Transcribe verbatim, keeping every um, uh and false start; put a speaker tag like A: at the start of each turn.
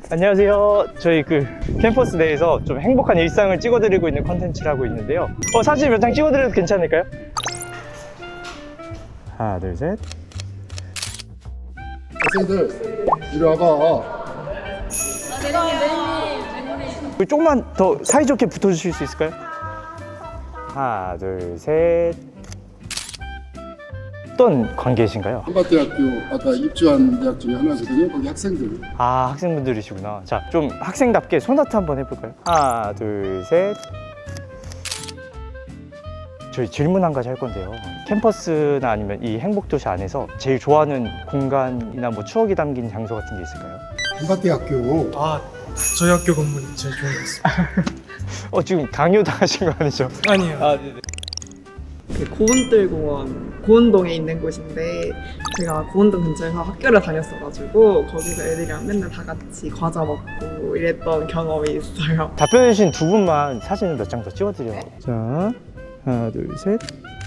A: 안녕하세요. 저희 그 캠퍼스 내에서 좀 행복한 일상을 찍어드리고 있는 컨텐츠를 하고 있는데요. 어, 사진 몇 장 찍어드려도 괜찮을까요? 하나, 둘, 셋.
B: 학생들 이리 와봐.
A: 조금만 더 사이좋게 붙어주실 수 있을까요? 하나, 둘, 셋. 어떤 관계이신가요?
B: 한밭대학교 아까 입주한 대학 중에 하나거든요. 거기 학생들.
A: 아, 학생분들이시구나. 자, 좀 학생답게 손아트 한번 해볼까요? 하나, 둘, 셋. 저희 질문 한 가지 할 건데요. 캠퍼스나 아니면 이 행복도시 안에서 제일 좋아하는 공간이나 뭐 추억이 담긴 장소 같은 게 있을까요?
B: 한밭대학교.
C: 아, 저희 학교 건물이 제일 좋은 것 같습니다.
A: 어, 지금 강요 당하신 거 아니죠?
C: 아니요.
A: 아, 네네.
D: 그 고운뜰공원 고운동에 있는 곳인데 제가 고운동 근처에서 학교를 다녔어가지고 거기서 애들이랑 맨날 다 같이 과자 먹고 이랬던 경험이 있어요.
A: 답변해주신 두 분만 사진을 몇 장 더 찍어드려요. 자, 하나, 둘, 셋.